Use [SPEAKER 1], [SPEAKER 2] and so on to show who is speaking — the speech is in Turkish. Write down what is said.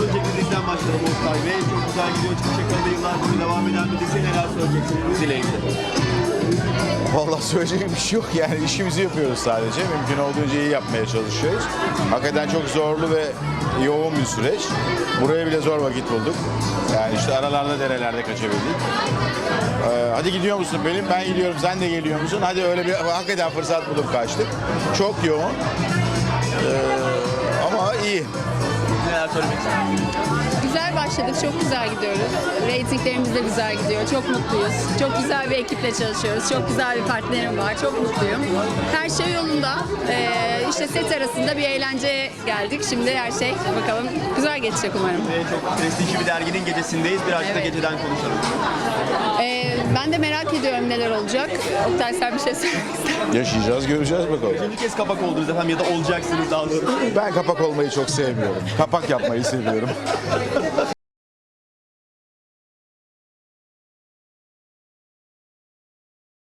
[SPEAKER 1] önceki diziden başlayalım Oktay Bey. Çok güzel gidiyor. Çıkış yakalı yıllar boyu devam eden bir dizi. Neler söyleyeceksiniz diziyle ilgili?
[SPEAKER 2] Vallahi söyleyecek bir şey yok yani işimizi yapıyoruz sadece. Mümkün olduğunca iyi yapmaya çalışıyoruz. Hakikaten çok zorlu ve yoğun bir süreç. Buraya bile zor vakit bulduk. Yani işte aralarda derelerde kaçabildik. Hadi gidiyor musun benim? Ben gidiyorum. Sen de geliyor musun? Hadi öyle bir hakikaten fırsat bulup kaçtık. Çok yoğun. Ama iyi.
[SPEAKER 1] Neler söylemek istersiniz?
[SPEAKER 3] Güzel başladık, çok güzel gidiyoruz. Reytinglerimiz de güzel gidiyor, çok mutluyuz. Çok güzel bir ekiple çalışıyoruz, çok güzel bir partnerim var, çok mutluyum. Her şey yolunda. İşte set arasında bir eğlenceye geldik. Şimdi her şey bakalım güzel geçecek umarım.
[SPEAKER 1] Çok prestijli bir derginin gecesindeyiz. Birazcık da
[SPEAKER 3] Evet.
[SPEAKER 1] geceden konuşalım.
[SPEAKER 3] Ben de merak ediyorum neler olacak. Oktay sen bir şey söylemek ister misin?
[SPEAKER 2] Yaşayacağız, göreceğiz bakalım.
[SPEAKER 1] İkinci kez kapak oldunuz efendim ya da olacaksınız daha doğrusu.
[SPEAKER 2] Ben kapak olmayı çok sevmiyorum. Kapak yapmayı seviyorum.